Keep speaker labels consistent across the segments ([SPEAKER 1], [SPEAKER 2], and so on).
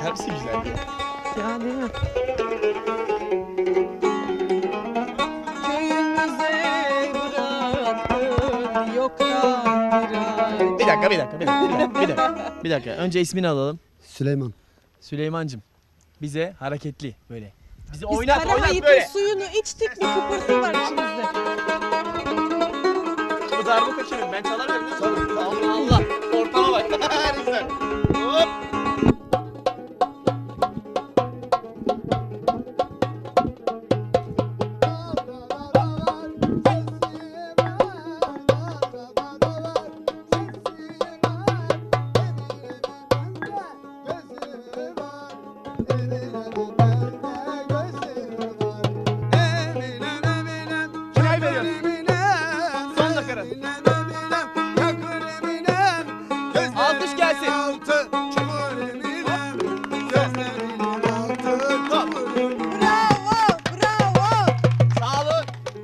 [SPEAKER 1] Hepsi güzel ya.
[SPEAKER 2] Ya değil mi?
[SPEAKER 1] Bir dakika. Önce ismini alalım.
[SPEAKER 3] Süleyman.
[SPEAKER 1] Süleymancığım. Bize hareketli böyle. Bizi
[SPEAKER 2] Biz
[SPEAKER 1] oynat
[SPEAKER 2] Karahayıt'ın
[SPEAKER 1] böyle.
[SPEAKER 2] suyunu içtik, bir kıpırtı var içimizde.
[SPEAKER 1] Bu darbuka kimin? Ben çalamıyorum. Allah Allah. Ortama bak. Güzel. Hop. Kime veriyorsun? Son nakarat. Alkış gelsin.
[SPEAKER 2] Bravo, bravo.
[SPEAKER 1] Sağ olun.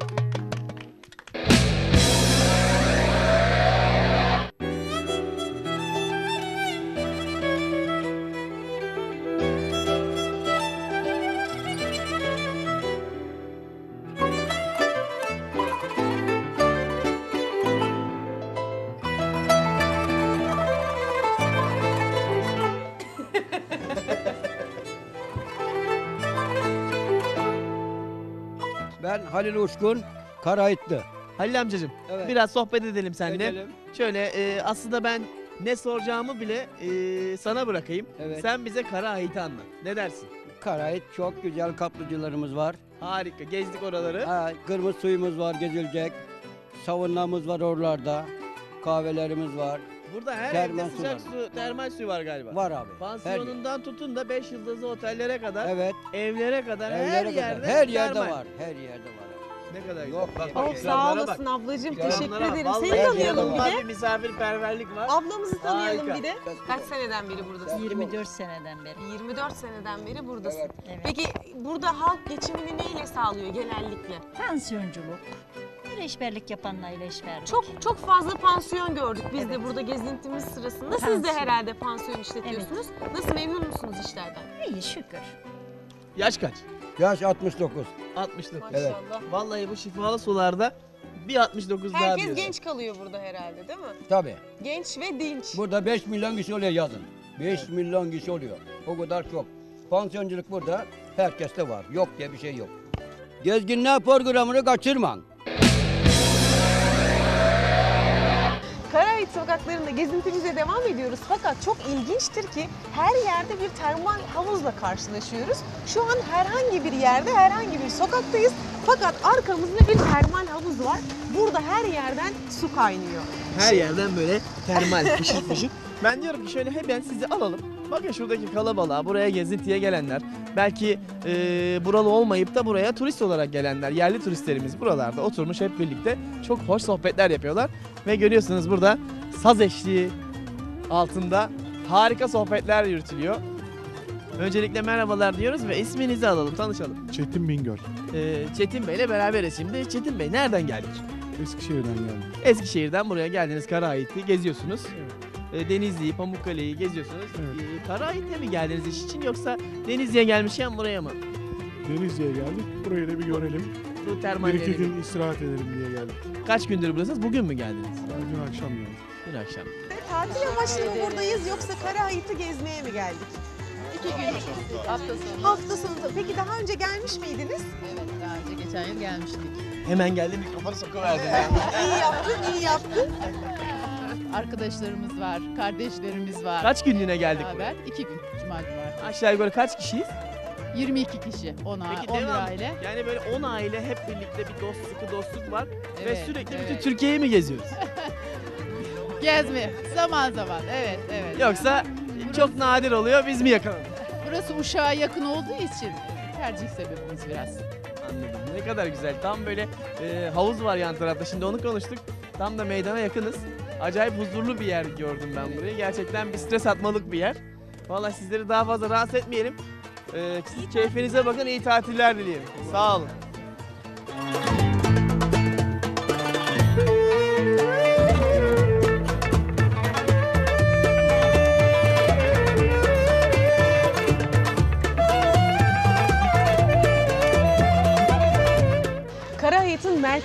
[SPEAKER 3] Ben Halil Uçkun, Karahayıtlı.
[SPEAKER 1] Halil amcacığım,
[SPEAKER 3] Evet.
[SPEAKER 1] biraz sohbet edelim seninle.
[SPEAKER 3] Edelim.
[SPEAKER 1] Şöyle aslında ben ne soracağımı bile sana bırakayım.
[SPEAKER 3] Evet.
[SPEAKER 1] Sen bize Karahayıt'ı anlat. Ne dersin?
[SPEAKER 3] Karahayıt çok güzel kaplıcılarımız var.
[SPEAKER 1] Harika. Gezdik oraları.
[SPEAKER 3] Ha, kırmızı suyumuz var gezilecek. Savunmamız var oralarda. Kahvelerimiz var.
[SPEAKER 1] Burada her
[SPEAKER 3] Termal
[SPEAKER 1] evde
[SPEAKER 3] su
[SPEAKER 1] sıcak
[SPEAKER 3] var.
[SPEAKER 1] su, termal su var galiba.
[SPEAKER 3] Var abi.
[SPEAKER 1] Pansiyonundan tutun da 5 yıldızlı otellere kadar,
[SPEAKER 3] Evet.
[SPEAKER 1] evlere kadar,
[SPEAKER 3] Evlere
[SPEAKER 1] her
[SPEAKER 3] kadar.
[SPEAKER 1] yerde
[SPEAKER 3] Her yerde
[SPEAKER 1] termal.
[SPEAKER 3] var. Her yerde var.
[SPEAKER 1] Ne kadar güzel.
[SPEAKER 3] Yok,
[SPEAKER 1] Bak,
[SPEAKER 3] yok.
[SPEAKER 1] bak,
[SPEAKER 2] Oh, sağ
[SPEAKER 1] ikramlara
[SPEAKER 2] olasın
[SPEAKER 1] bak.
[SPEAKER 2] ablacığım.
[SPEAKER 3] İkramlara
[SPEAKER 2] Teşekkür
[SPEAKER 1] bak.
[SPEAKER 2] ederim.
[SPEAKER 1] Vallahi
[SPEAKER 2] Seni tanıyalım bir
[SPEAKER 1] inanılmaz
[SPEAKER 2] de.
[SPEAKER 1] bir misafirperverlik var.
[SPEAKER 2] Ablamızı tanıyalım
[SPEAKER 1] Harika.
[SPEAKER 2] bir de. Kaç seneden beri buradasın?
[SPEAKER 4] 24 seneden beri.
[SPEAKER 2] 24 seneden beri buradasın.
[SPEAKER 3] Evet.
[SPEAKER 4] Evet.
[SPEAKER 2] Peki burada halk geçimini neyle sağlıyor genellikle?
[SPEAKER 4] Pansiyonculuk. İleşberlik yapanlarla işberlik.
[SPEAKER 2] Çok fazla pansiyon gördük biz de burada gezintimiz sırasında. Siz de
[SPEAKER 4] Pansiyon.
[SPEAKER 2] herhalde pansiyon işletiyorsunuz. Nasıl, memnun musunuz işlerden?
[SPEAKER 4] iyi şükür.
[SPEAKER 1] Yaş kaç?
[SPEAKER 3] Yaş 69.
[SPEAKER 1] 69.
[SPEAKER 3] Evet.
[SPEAKER 2] Maşallah.
[SPEAKER 1] Vallahi bu şifalı sularda bir 69 daha
[SPEAKER 2] Herkes
[SPEAKER 1] diyorsun.
[SPEAKER 2] genç kalıyor burada herhalde değil mi?
[SPEAKER 3] Tabii.
[SPEAKER 2] Genç ve dinç.
[SPEAKER 3] Burada 5 milyon kişi oluyor yazın. 5 milyon kişi oluyor. O kadar çok. Pansiyonculuk burada herkeste var. Yok diye bir şey yok. Gezginler programını kaçırmayın.
[SPEAKER 2] Karahayıt sokaklarında gezintimize devam ediyoruz. Fakat çok ilginçtir ki her yerde bir termal havuzla karşılaşıyoruz. Şu an herhangi bir yerde, herhangi bir sokaktayız. Fakat arkamızda bir termal havuz var. Burada her yerden su kaynıyor.
[SPEAKER 1] Her yerden böyle termal fışır fışır. Ben diyorum ki şöyle hemen sizi alalım. Bakın şuradaki kalabalığa, buraya gezintiye gelenler, belki buralı olmayıp da buraya turist olarak gelenler, yerli turistlerimiz buralarda oturmuş hep birlikte çok hoş sohbetler yapıyorlar. Ve görüyorsunuz burada saz eşliği altında harika sohbetler yürütülüyor. Öncelikle merhabalar diyoruz ve isminizi alalım, tanışalım.
[SPEAKER 5] Çetin Bingöl.
[SPEAKER 1] Çetin Bey'le beraberiz şimdi. Çetin Bey nereden geldik?
[SPEAKER 5] Eskişehir'den geldim.
[SPEAKER 1] Eskişehir'den buraya geldiniz, Karahayıt'ı geziyorsunuz. Denizli'yi, Pamukkale'yi geziyorsunuz.
[SPEAKER 5] Evet.
[SPEAKER 1] Karahayıt'a mı geldiniz iş için yoksa Denizli'ye gelmişken buraya mı?
[SPEAKER 5] Denizli'ye geldik. Burayı da bir görelim.
[SPEAKER 1] Bu
[SPEAKER 5] Bir iki
[SPEAKER 1] termalleri.
[SPEAKER 5] gün istirahat edelim diye geldik.
[SPEAKER 1] Kaç gündür buradasınız? Bugün mü geldiniz?
[SPEAKER 5] Dün akşam geldik.
[SPEAKER 1] Dün akşam.
[SPEAKER 2] Tatil amaçlı mı buradayız yoksa Karahayıt'ı gezmeye mi geldik?
[SPEAKER 6] 2 gün hafta sonu.
[SPEAKER 2] Hafta sonu. Peki daha önce gelmiş miydiniz?
[SPEAKER 6] Evet, daha önce geçen yıl gelmiştik.
[SPEAKER 1] Hemen geldi mikrofonu sokuverdi ya.
[SPEAKER 2] İyi yaptın, iyi yaptın.
[SPEAKER 6] Arkadaşlarımız var, kardeşlerimiz var.
[SPEAKER 1] Kaç günlüğüne geldik buraya?
[SPEAKER 6] Beraber 2 gün, cuma cumartesi.
[SPEAKER 1] Aşağı yukarı kaç kişiyiz?
[SPEAKER 6] 22 kişi, 10
[SPEAKER 1] Peki
[SPEAKER 6] 11
[SPEAKER 1] devam.
[SPEAKER 6] aile.
[SPEAKER 1] Yani böyle 10 aile hep birlikte bir sıkı dostluk var. Ve
[SPEAKER 6] Evet,
[SPEAKER 1] sürekli
[SPEAKER 6] evet.
[SPEAKER 1] bütün Türkiye'yi mi geziyoruz?
[SPEAKER 6] Gezme, zaman zaman, evet, evet.
[SPEAKER 1] Yoksa çok nadir oluyor, biz mi yakaladık?
[SPEAKER 6] Burası Uşak'a yakın olduğu için tercih sebebimiz biraz.
[SPEAKER 1] Anladım. Ne kadar güzel. Tam böyle havuz var yan tarafta. Şimdi onu konuştuk. Tam da meydana yakınız. Acayip huzurlu bir yer gördüm ben burayı. Gerçekten bir stres atmalık bir yer. Vallahi sizleri daha fazla rahatsız etmeyelim. Siz keyfinize bakın. İyi tatiller dileyelim. Sağ olun.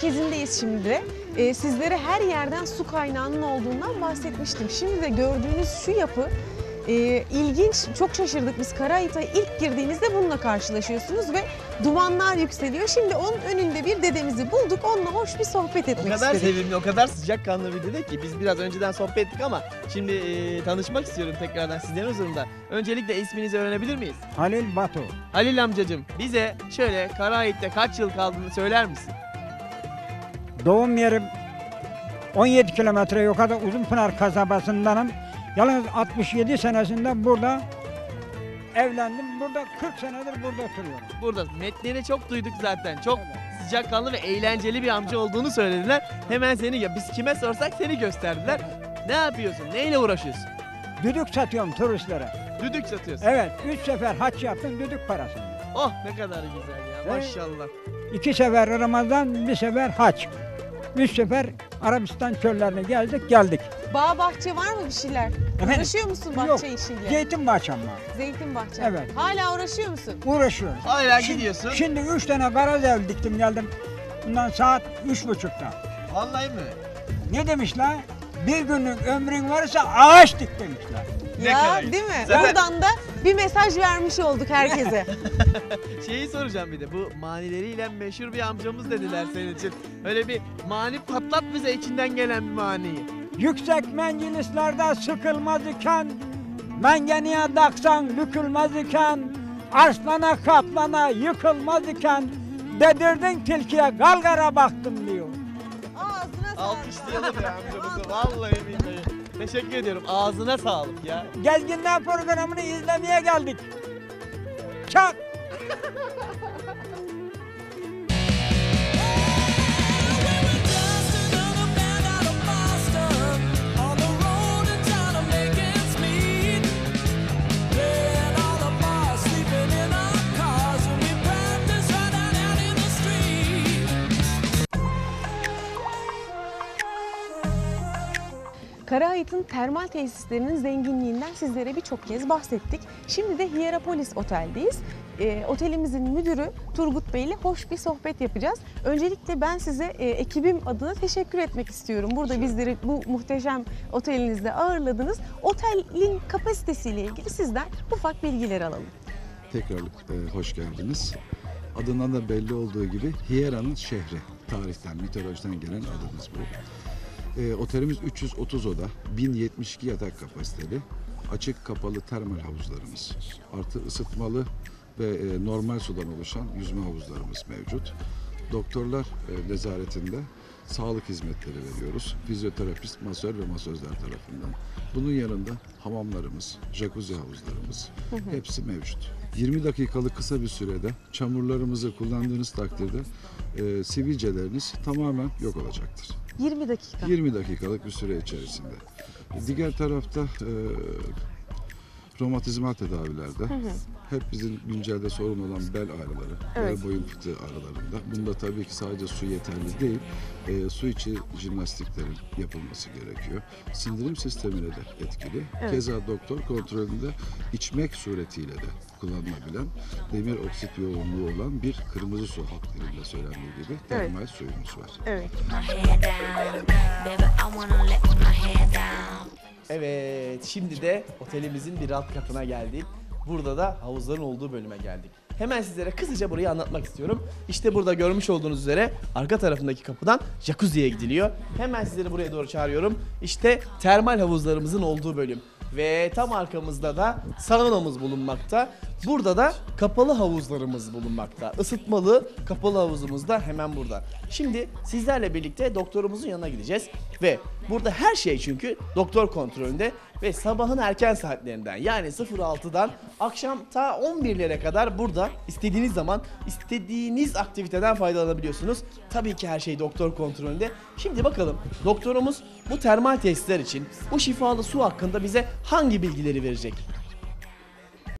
[SPEAKER 2] merkezindeyiz şimdi de. Sizlere her yerden su kaynağının olduğundan bahsetmiştim. Şimdi de gördüğünüz şu yapı ilginç, çok şaşırdık biz. Karayiğit'e ilk girdiğinizde bununla karşılaşıyorsunuz ve dumanlar yükseliyor. Şimdi onun önünde bir dedemizi bulduk, onunla hoş bir sohbet
[SPEAKER 1] O
[SPEAKER 2] etmek
[SPEAKER 1] kadar
[SPEAKER 2] istedik.
[SPEAKER 1] sevimli, o kadar sıcakkanlı bir dede ki biz biraz önceden sohbet ettik ama şimdi tanışmak istiyorum tekrardan sizlerin huzurunda. Öncelikle isminizi öğrenebilir miyiz?
[SPEAKER 7] Halil Batu.
[SPEAKER 1] Halil amcacığım, bize şöyle Karayiğit'te kaç yıl kaldığını söyler misin?
[SPEAKER 7] Doğum yerim 17 kilometre yukarıda Uzunpınar kasabasındanım. Yalnız 67 senesinde burada evlendim. Burada 40 senedir burada oturuyorum.
[SPEAKER 1] Burada metnini çok duyduk zaten. Çok sıcakkanlı ve eğlenceli bir amca olduğunu söylediler. Hemen seni, ya biz kime sorsak seni gösterdiler. Ne yapıyorsun? Neyle uğraşıyorsun?
[SPEAKER 7] Düdük satıyorum turistlere.
[SPEAKER 1] Düdük satıyorsun.
[SPEAKER 7] Evet, 3 sefer haç yaptım düdük parasını.
[SPEAKER 1] Oh ne kadar güzel ya,
[SPEAKER 7] Evet.
[SPEAKER 1] maşallah.
[SPEAKER 7] 2 sefer Ramazan, 1 sefer haç. 3 sefer Arabistan çöllerine geldik.
[SPEAKER 2] Bağ bahçe var mı bir şeyler?
[SPEAKER 7] Efendim?
[SPEAKER 2] Uğraşıyor musun bahçe
[SPEAKER 7] Yok.
[SPEAKER 2] işiyle?
[SPEAKER 7] Zeytin bahçem var.
[SPEAKER 2] Zeytin bahçe.
[SPEAKER 7] Evet.
[SPEAKER 2] Hala uğraşıyor musun?
[SPEAKER 7] Uğraşıyoruz.
[SPEAKER 1] Hala gidiyorsun.
[SPEAKER 7] Şimdi 3 tane garaz diktim geldim. Bundan saat 3.30'da.
[SPEAKER 1] Vallahi mi?
[SPEAKER 7] Ne demişler? Bir günlük ömrün varsa ağaç dik demişler.
[SPEAKER 1] Ne
[SPEAKER 2] Ya
[SPEAKER 1] kadar
[SPEAKER 2] değil mi?
[SPEAKER 1] Zaten-
[SPEAKER 2] Buradan da bir mesaj vermiş olduk herkese.
[SPEAKER 1] Şeyi soracağım bir de, bu manileriyle meşhur bir amcamız dediler senin için. Öyle bir mani patlat bize, içinden gelen bir maniyi.
[SPEAKER 7] Yüksek menzilislerde sıkılmaz iken, mengeniye daksan bükülmez iken, arslana kaplana yıkılmaz iken, dedirdin tilkiye galgara baktım diyor.
[SPEAKER 2] Ağzına sağlık.
[SPEAKER 1] Alkışlayalım ya amcamızı, vallahi billahi. Teşekkür ediyorum, ağzına sağlık ya.
[SPEAKER 7] Gezginler programını izlemeye geldik. Çak!
[SPEAKER 2] Karayiğit'in termal tesislerinin zenginliğinden sizlere birçok kez bahsettik. Şimdi de Hierapolis Otel'deyiz. Otelimizin müdürü Turgut Bey ile hoş bir sohbet yapacağız. Öncelikle ben size ekibim adına teşekkür etmek istiyorum. Burada bizleri bu muhteşem otelinizde ağırladınız. Otelin kapasitesiyle ilgili sizden ufak bilgiler alalım.
[SPEAKER 8] Tekrar hoş geldiniz. Adından da belli olduğu gibi Hiera'nın şehri. Tarihten, mitolojiden gelen adımız bu. Otelimiz 330 oda, 1072 yatak kapasiteli, açık kapalı termal havuzlarımız, artı ısıtmalı ve normal sudan oluşan yüzme havuzlarımız mevcut. Doktorlar nezaretinde sağlık hizmetleri veriyoruz. Fizyoterapist, masör ve masözler tarafından. Bunun yanında hamamlarımız, jacuzzi havuzlarımız hepsi mevcut. 20 dakikalık kısa bir sürede çamurlarımızı kullandığınız takdirde sivilceleriniz tamamen yok olacaktır.
[SPEAKER 2] 20 dakika.
[SPEAKER 8] 20 dakikalık bir süre içerisinde. Diğer tarafta romatizmal tedavilerde hep bizim güncelde sorun olan bel ağrıları,
[SPEAKER 2] Evet.
[SPEAKER 8] bel boyun fıtığı ağrılarında. Bunda tabii ki sadece su yeterli değil, su içi jimnastiklerin yapılması gerekiyor. Sindirim sistemine de etkili.
[SPEAKER 2] Evet.
[SPEAKER 8] Keza doktor kontrolünde içmek suretiyle de kullanılabilen demir oksit yoğunluğu olan bir kırmızı su halk dilinde söylendiği gibi termal suyumuz var.
[SPEAKER 2] Evet.
[SPEAKER 1] Evet, şimdi de otelimizin bir alt katına geldik. Burada da havuzların olduğu bölüme geldik. Hemen sizlere kısaca burayı anlatmak istiyorum. İşte burada görmüş olduğunuz üzere arka tarafındaki kapıdan jacuzziye gidiliyor. Hemen sizleri buraya doğru çağırıyorum. İşte termal havuzlarımızın olduğu bölüm. Ve tam arkamızda da saunamız bulunmakta. Burada da kapalı havuzlarımız bulunmakta. Isıtmalı kapalı havuzumuz da hemen burada. Şimdi sizlerle birlikte doktorumuzun yanına gideceğiz. Ve burada her şey çünkü doktor kontrolünde ve sabahın erken saatlerinden yani 06'dan akşam ta 11'lere kadar burada istediğiniz zaman istediğiniz aktiviteden faydalanabiliyorsunuz. Tabii ki her şey doktor kontrolünde. Şimdi bakalım doktorumuz bu termal tesisler için bu şifalı su hakkında bize hangi bilgileri verecek?